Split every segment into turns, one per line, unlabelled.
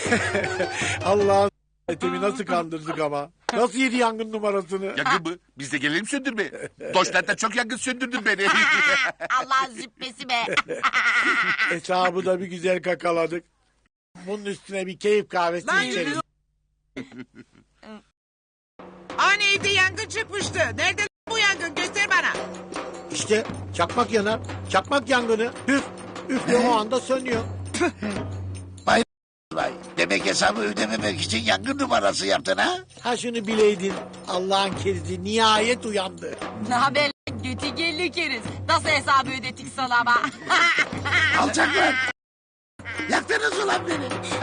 Allah'ın etemi nasıl kandırdık ama. Nasıl yedi yangın numarasını?
Yangın mı? Biz de gelelim söndürme. Doşlar'da çok yangın söndürdün beni.
Allah'ın züppesi be.
Hesabı da bir güzel kakaladık. Bunun üstüne bir keyif kahvesi içeriz.
Hani evde yangın çıkmıştı. Nerede bu yangın? Göster bana.
İşte çakmak yanar. Çakmak yangını. Üf. Üfle o anda sönüyor.
Vay, demek hesabı ödememek için yangın numarası yaptın ha?
Ha şunu bileydin. Allah'ın kerizi nihayet uyandı.
Ne haber lan götü keriz. Nasıl hesabı ödedik sana ama.
Alçaklar. Yaktınız ulan beni.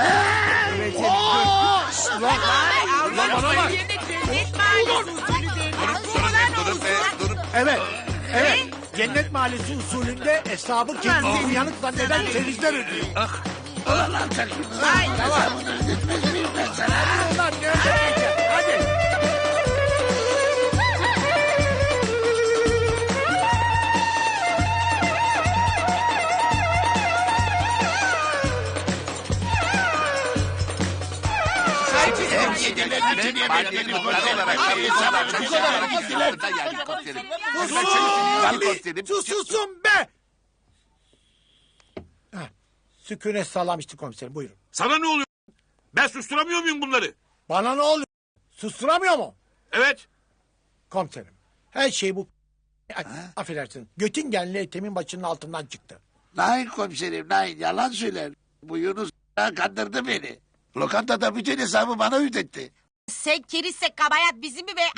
Bana bak. Cennet mahallesi usulü devlet.
Evet. Evet. Cennet Mahallesi usulünde hesabı kendini uyanık zanneden kerizler ödüyor.
Ulan alçaklar. Hesabını ödetmez miyim ben sana?
Ulan ne ödeyeceğim? Hadi. Susun be! Sükunet sağlamıştı komiserim, buyurun.
Sana ne oluyor? Ben susturamıyor muyum bunları?
Bana ne oluyor? Susturamıyor mu?
Evet.
Komiserim, her şey bu... Affedersin, Göttingenli Ethem'in başının altından çıktı.
Nein komiserim, nein. Yalan söyler. Bu Yunus kandırdı beni. Lokantada bütün hesabı bana ödetti.
Sen kerizse kabayat bizim mi be?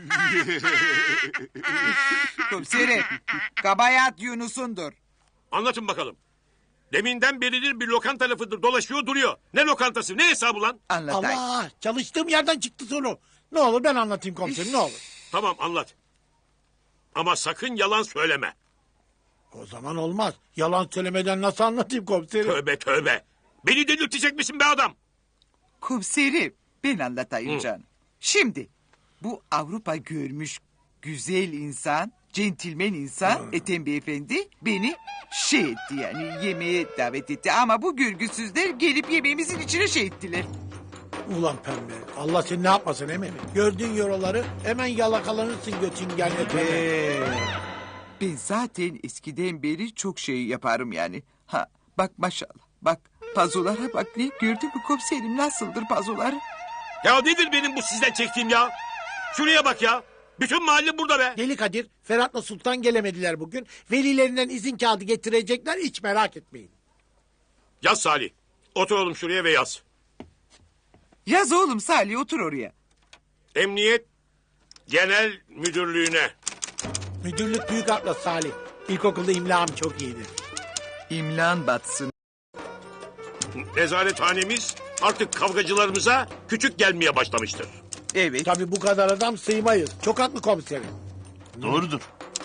Komiserim. Kabayat Yunus'undur.
Anlatın bakalım. Deminden beridir bir lokanta lafıdır dolaşıyor duruyor. Ne lokantası ne hesabı lan?
Anlatayım.
Allah! Çalıştığım yerden çıktı soru. Ne olur ben anlatayım komiserim, ne olur.
Tamam anlat. Ama sakın yalan söyleme.
O zaman olmaz. Yalan söylemeden nasıl anlatayım komiserim?
Tövbe tövbe. Beni delirtecek misin be adam?
Komiserim. Ben anlatayım canım. Şimdi bu Avrupa görmüş güzel insan, centilmen insan Ethem Beyefendi beni etti yani yemeğe davet etti. Ama bu görgüsüzler gelip yemeğimizin içine ettiler.
Ulan pembe, Allah seni ne yapmasın eminim. Gördüğün yoroları hemen yalakalanırsın Göttingenli Ethem'e.
Ben zaten eskiden beri çok şey yaparım yani. Ha bak maşallah bak pazulara bak ne gördün mü komiserim nasıldır pazuları?
Ya nedir benim bu sizden çektiğim ya? Şuraya bak ya. Bütün mahalle burada be.
Deli Kadir, Ferhat'la Sultan gelemediler bugün. Velilerinden izin kağıdı getirecekler, hiç merak etmeyin.
Yaz Salih. Otur oğlum şuraya ve yaz.
Yaz oğlum Salih otur oraya.
Emniyet Genel Müdürlüğü'ne.
Müdürlük büyük atlas Salih. İlkokulda imlam çok iyidir.
İmlan batsın.
Nezarethanemiz artık kavgacılarımıza küçük gelmeye başlamıştır.
Evet.
Tabii bu kadar adam sığmayız. Çok haklı komiserim.
Doğrudur.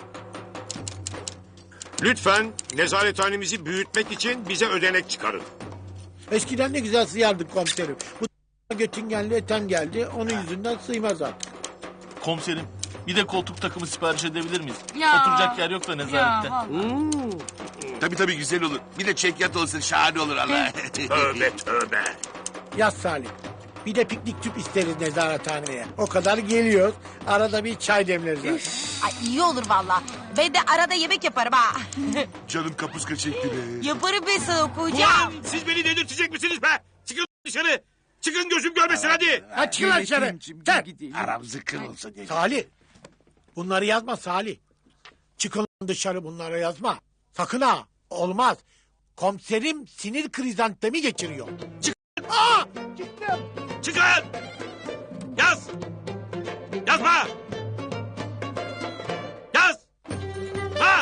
Lütfen nezarethanemizi büyütmek için bize ödenek çıkarın.
Eskiden ne güzel sıyardık komiserim. Bu Göttingenli Ethem geldi. Onun yüzünden sığmaz artık.
Komiserim bir de koltuk takımı sipariş edebilir miyiz?
Ya.
Oturacak yer yok da nezarette.
Tabii güzel olur. Bir de çekyat olsun şahane olur Allah.
Tövbe tövbe.
Yaz Salih. Bir de piknik tüp isteriz nezarethaneye. O kadar geliyoruz. Arada bir çay demleriz zaten.
Ay iyi olur valla. Ben de arada yemek yaparım ha.
Canım kapuska çekti be.
Yaparım ben sana kocam.
Ulan siz beni delirtecek misiniz be? Çıkın dışarı. Çıkın gözüm görmesin hadi.
Ha çıkın lan dışarı.
Yönetimciğim,
Sen.
gidelim.
Aram zıkkın olsun.
Salih. Bunları yazma Salih. Çıkın lan dışarı, bunları yazma. Sakın ha. Olmaz. Komiserim sinir krizantemi geçiriyor. Çıkın. Aa! Çıktım.
Çıkın. Yaz. Yazma. Yaz. Ha.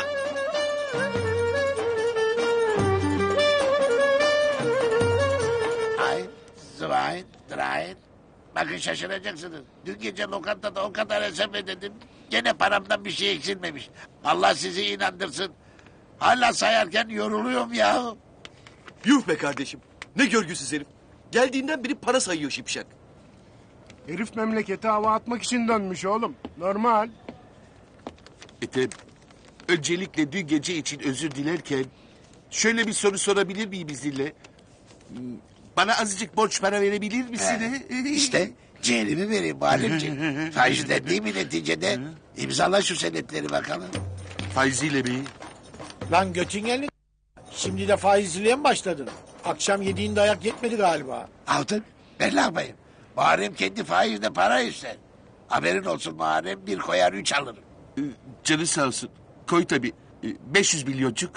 Ein, zwei, drei. Bakın şaşıracaksınız. Dün gece lokantada o kadar hesap ödedim. Gene paramdan bir şey eksilmemiş. Allah sizi inandırsın. Hala sayarken yoruluyorum ya.
Yuh be kardeşim. Ne görgüsüz herif. Geldiğinden beri para sayıyor şipşak.
Herif memlekete hava atmak için dönmüş oğlum. Normal.
Ethem, öncelikle dün gece için özür dilerken... ...şöyle bir soru sorabilir miyim izninle?
Bana azıcık borç para verebilir misin?
İşte ciğerimi vereyim Muharremciğim. Faizden değil mi neticede? İmzala şu senetleri bakalım.
Faiziyle mi?
Lan Göttingenli şimdi de faizciliğe mi başladın? Akşam yediğin dayak yetmedi galiba.
Altın ben ne yapayım? Muharrem kendi faizle para ister. Haberin olsun Muharrem, bir koyar 3 alırım.
Canı sağ olsun. Koy tabii. 500 milyoncuk.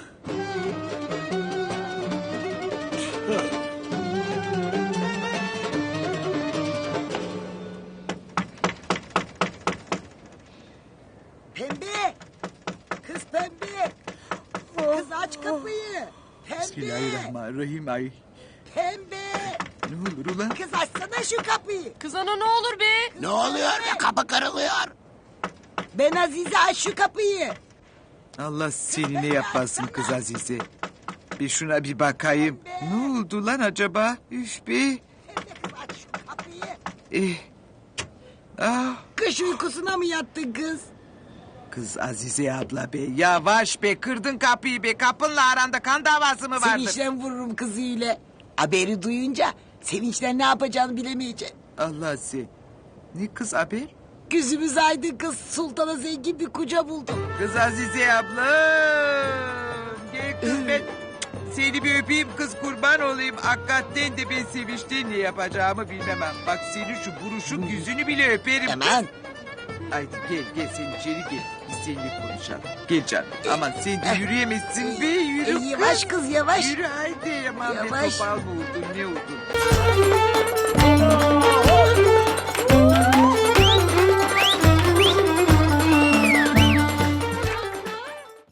Pembe! Kız pembe! Kız aç kapıyı! Pembe!
Bismillahirrahmanirrahim. Ay.
Pembe!
Ne olur ulan?
Kız açsana şu kapıyı!
Kız ana ne olur be.
Ne oluyor be, kapı kırılıyor.
Ben Azize aç şu kapıyı!
Allah seni ne yapmasın kız Azize. Bir şuna bir bakayım. Ne oldu lan acaba? Üf be.
Pembe kız aç şu kapıyı!
Eh. Ah.
Kış uykusuna mı yattın kız?
Kız Azize abla be. Yavaş be, kırdın kapıyı be. Kapınla aranda kan davası mı vardır?
Sevinçten vururum kızıyla. Haberi duyunca sevinçten ne yapacağını bilemeyecek.
Allah sen. Ne kız haber?
Gözümüz aydın kız, sultana zengin bir koca buldum.
Kız Azize abla. Gel kız ben. Seni bir öpeyim kız, kurban olayım. Hakikaten de ben sevinçten ne yapacağımı bilmem. Bak senin şu buruşuk yüzünü bile öperim.
Aman!
Haydi gel sen içeri gel. Biz seninle konuşalım. Gel canım. Aman sen de yürüyemezsin be, yürü kız.
Yavaş kız yavaş.
Yürü haydi. Aman be,
Yavaş.
topal mı oldun, ne oldun?